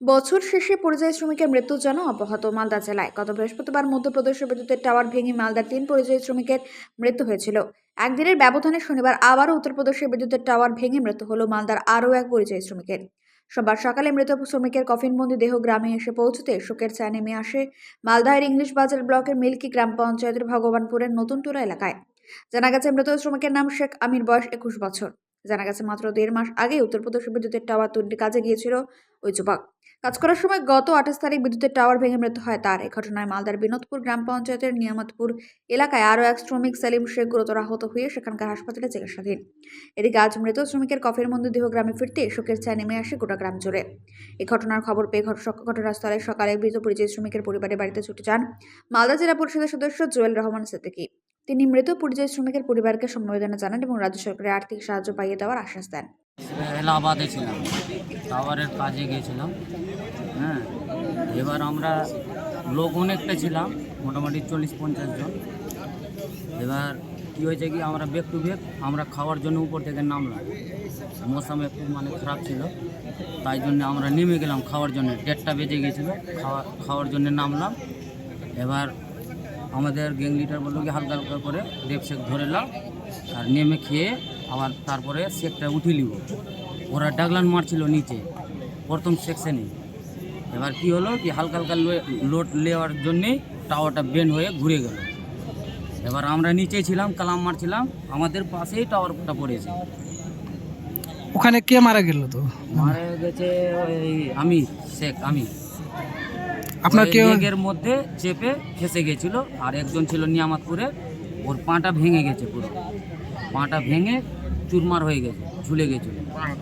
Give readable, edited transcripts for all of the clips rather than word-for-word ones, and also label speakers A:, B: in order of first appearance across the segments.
A: বছর শেষে পরিযায়ী শ্রমিকের মৃত্যুর জন্য অব্যাহত মালদা জেলায়। গত বৃহস্পতিবার মধ্যপ্রদেশের বিদ্যুতের টাওয়ার ভেঙে মালদার 3 পরিযায়ী শ্রমিকের মৃত্যু হয়েছিল। একদিনের ব্যবধানে শনিবার আবারও উত্তরপ্রদেশের বিদ্যুতের টাওয়ার ভেঙে মৃত্যু হলো মালদার আরও এক পরিযায়ী শ্রমিকের। সোমবার সকালে মৃত শ্রমিকের কফিনবন্দি দেহ গ্রামে এসে পৌঁছতে শোকের ছায়া নেমে আসে মালদার ইংলিশ বাজার ব্লকের মিল্কি গ্রাম পঞ্চায়েতের ভগবানপুরের নতুন টোলা এলাকায়। জানা গেছে মৃত শ্রমিকের নাম শেখ আমির, বয়স 21 বছর। জানা গেছে মাত্র 1.5 মাস আগে উত্তরপ্রদেশের বিদ্যুতের টাওয়ার তৈরির কাজে গিয়েছিল ওই যুবক। কাজ করার সময় গত 28 তারিখ বিদ্যুতের টাওয়ার ভেঙে মৃত্যু হয় তার। এই ঘটনায় মালদার বিনোদপুর গ্রাম পঞ্চায়েতের নিয়ামতপুর এলাকায় আরও এক শ্রমিক সেলিম শেখ গুরুতর আহত হয়ে সেখানকার হাসপাতালে চিকিৎসাধীন। এদিকে আজ মৃত শ্রমিকের কফের মন্দির দেহ গ্রামে ফিরতে শোকের ছায়া নেমে আসে গোটা গ্রাম জুড়ে। এই ঘটনার খবর পেয়ে ঘটনাস্থলে সকালে মৃত পরিযায়ী শ্রমিকের পরিবারের বাড়িতে ছুটে যান মালদা জেলা পরিষদের সদস্য জুয়েল রহমান সিদ্দিকী। তিনি মৃত পরিযায়ী শ্রমিকের পরিবারকে সমবেদনা জানান এবং রাজ্য সরকারের আর্থিক সাহায্য পাইয়ে দেওয়ার আশ্বাস দেন।
B: এলাহাবাদে ছিলাম, টাওয়ারের কাজে গিয়েছিলাম। হ্যাঁ, এবার আমরা লোক অনেকটা ছিলাম, মোটামুটি 40-50 জন। এবার কী হয়েছে কি, আমরা ব্যাক টু ব্যাক আমরা খাওয়ার জন্য উপর থেকে নামলাম। মৌসুম একটু খারাপ ছিল, তাই জন্য আমরা নেমে গেলাম খাওয়ার জন্য। 1:30 বেজে গিয়েছিলো, খাওয়ার জন্য নামলাম। এবার আমাদের গ্যাং লিডার বললো কি হালকা হালকা করে রেপ শেক ধরে নাও আর নেমে খেয়ে আবার তারপরে শেকটা উঠিয়ে নিব। ওরা ডাগলান মারছিল নিচে প্রথম সেকশনে। এবার কি হলো কি, হালকা হালকা লোড নেওয়ার জন্যেই টাওয়ারটা বেন্ড হয়ে ঘুরে গেল। এবার আমরা নিচেই ছিলাম, কালাম মারছিলাম, আমাদের পাশেই টাওয়ারটা পড়েছে।
C: ওখানে কে মারা গেল? তো
B: মারা গেছে ওই আমির, শেখ আমির।
C: আপনার কেউ
B: এর মধ্যে চেপে ফেসে গেছিল। আর একজন ছিল নিয়ামতপুরে, ওর পাটা ভেঙে গেছে, পুরো পাটা ভেঙে চুরমার হয়ে গেছে, ঝুলে গেছিল।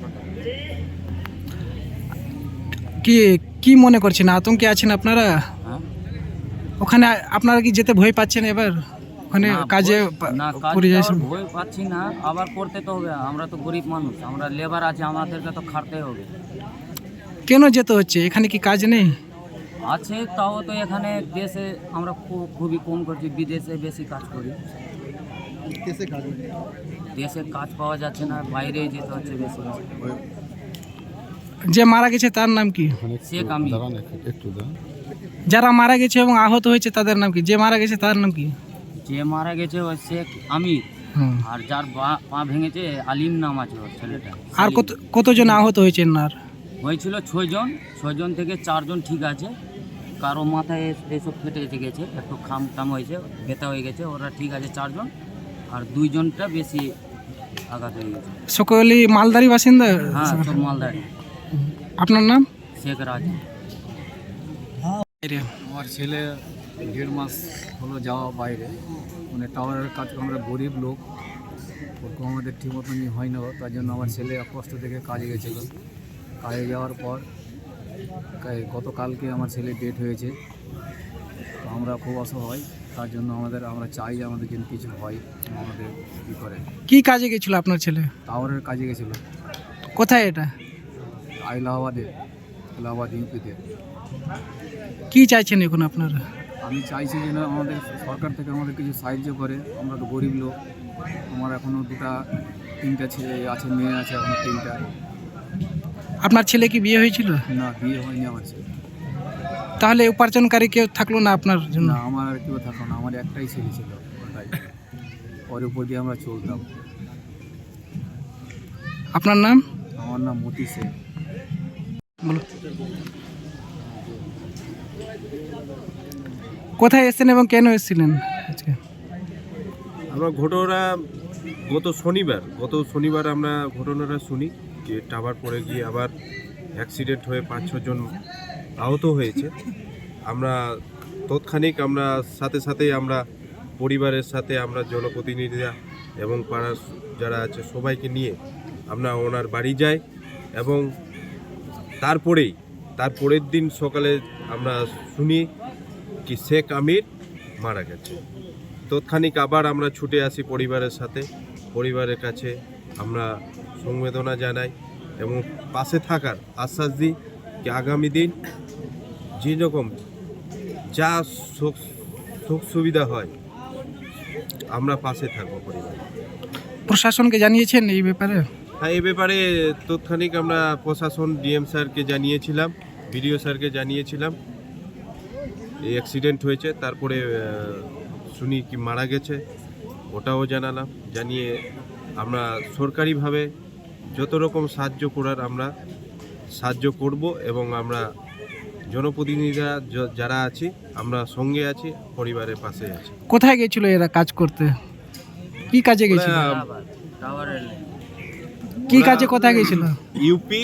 C: কি কি মনে করছেন, আতঙ্কে আছেন আপনারা?
B: হ্যাঁ,
C: ওখানে আপনারা কি যেতে ভয় পাচ্ছেন এবার? ওখানে কাজে পরিযায়ী শ্রমিক
B: ভয় পাচ্ছি না, আবার করতে তো হবে। আমরা তো গরিব মানুষ, আমরা লেবার আছে, আমাদেরকে তো খাটতে হবে।
C: কেন যেতে হচ্ছে? এখানে কি কাজ নেই?
B: আছে, তাও তো এখানে দেশে আমরা খুবই কম করছি, বিদেশে বেশি কাজ করি। দেশে কাজ পাওয়া যাচ্ছে না, বাইরে যেতে হচ্ছে বেশি।
C: যে মারা গেছে তার নাম কি?
B: শেখ আমির।
C: যারা মারা গেছে এবং আহত হয়েছে তাদের নাম কি? যে মারা গেছে তার নাম কি?
B: যে মারা গেছে ওই শেখ আমির, আর যার পা ভেঙেছে আলিম নাম আছে ওর ছেলেটা।
C: আর কতজন আহত হয়েছেন? আর
B: হয়েছিল 6 জন। 6 জন থেকে 4 জন ঠিক আছে, কারো মাথায় এসব ফেটে এসে গেছে, একটু খাম হয়েছে, ব্যথা হয়ে গেছে, ওরা ঠিক আছে 4 জন। আর 2 জনটা বেশি আঘাত হয়ে গেছে।
C: সকলেই মালদারি বাসিন্দা?
B: হ্যাঁ, সব মালদারি।
C: আপনার নাম?
B: শেখ রাজ।
D: আমার ছেলে 1.5 মাস হলো যাওয়া বাইরে, মানে টাওয়ারের কাজ। আমরা গরিব লোক, ওরকম আমাদের ঠিক মতনই হয় না, তার জন্য আমার ছেলে কষ্ট থেকে কাজে গেছিলো। কাজে যাওয়ার পর গতকালকে আমার ছেলে ডেট হয়েছে। তো আমরা খুব অসহায়, তার জন্য আমরা চাই আমাদের জন্য কিছু হয়, আমাদের কী করে।
C: কি কাজে গেছিল আপনার ছেলে?
D: টাওয়ারের কাজে গেছিলো।
C: কোথায় এটা?
D: এলাহাবাদ ইউপিতে।
C: কি চাইছেন এখন আপনারা?
D: আমি চাইছি যেন আমাদের সরকার থেকে আমাদের কিছু সাহায্য করে। আমরা তো গরিব লোক, আমার এখনও 2-3টা ছেলে আছে, মেয়ে আছে এখনও 3টা।
C: আপনার ছেলে কি বিয়ে হয়েছিল?
D: না, বিয়ে হয়নি আমার ছেলে।
C: তাহলে উপার্জনকারী কেউ থাকলো না আপনার জন্য?
D: না, আমার আর কেউ থাকলো না, আমার একটাই ছেলে ছিল, ওটাই। ওর উপর দিয়ে আমরা চলতাম।
C: আপনার নাম?
D: আমার নাম মতি শেখ।
C: বলো, কোথায় এসেছেন এবং কেন এসেছিলেন আজকে?
E: আমরা গত শনিবার আমরা ঘটনাটা শুনি যে টাওয়ার পড়ে গিয়ে আবার অ্যাক্সিডেন্ট হয়ে 5-6 জন আহত হয়েছে। আমরা তৎক্ষণিক সাথেই আমরা পরিবারের সাথে আমরা জনপ্রতিনিধিরা এবং পাড়ার যারা আছে সবাইকে নিয়ে আমরা ওনার বাড়ি যাই, এবং তারপরের দিন সকালে আমরা শুনি কি শেখ আমির মারা গেছে। তৎক্ষণিক আবার আমরা ছুটে আসি পরিবারের কাছে আমরা সংবেদনা জানাই এবং পাশে থাকার আশ্বাস দিই যে আগামী দিন যেরকম যা সুখ সুবিধা হয় আমরা পাশে থাকবো পরিবার।
C: প্রশাসনকে জানিয়েছেন এই ব্যাপারে?
E: হ্যাঁ, এই ব্যাপারে তৎক্ষণিক আমরা প্রশাসন ডিএম স্যারকে জানিয়েছিলাম বিডিও স্যারকে জানিয়েছিলাম এই অ্যাক্সিডেন্ট হয়েছে, তারপরে শুনি কি মারা গেছে, ওটাও জানালাম। জানিয়ে আমরা সরকারিভাবে যত রকম সাহায্য করার আমরা সাহায্য করব, এবং আমরা জনপ্রতিনিধিরা যারা আছি আমরা সঙ্গে আছি, পরিবারের পাশে আছি।
C: কোথায় গেছিল এরা কাজ করতে? কি কাজে গেছিল?
B: এলাহাবাদ টাওয়ারের লাইন।
C: কি কাজে কোথায় গেছিল?
E: ইউপি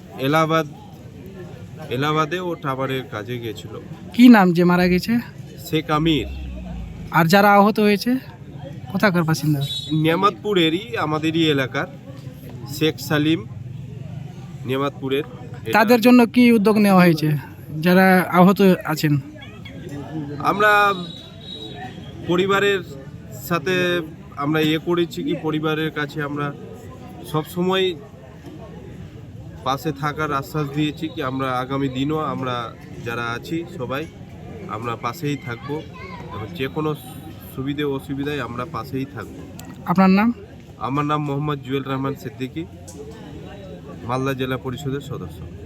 E: এলাহাবাদে ও টাওয়ারের কাজে গিয়েছিল।
C: কি নাম যে মারা গেছে?
E: শেখ আমির।
C: আর যারা আহত হয়েছে কোথাকার বাসিন্দা?
E: নিয়ামতপুরেরই, আমাদেরই এলাকার শেখ সালিম, নিয়ামতপুরের।
C: তাদের জন্য কি উদ্যোগ নেওয়া হয়েছে যারা আহত আছেন?
E: আমরা পরিবারের সাথে আমরা করেছি কি পরিবারের কাছে আমরা সব সময় পাশে থাকার আশ্বাস দিয়েছি কি আমরা আগামী দিনও আমরা যারা আছি সবাই আমরা পাশেই থাকব, এবং যে কোনো সুবিধে অসুবিধায় আমরা পাশেই থাকব।
C: আপনার নাম?
E: আমার নাম মোহাম্মদ জুয়েল রহমান সিদ্দিকী, মালদা জেলা পরিষদের সদস্য।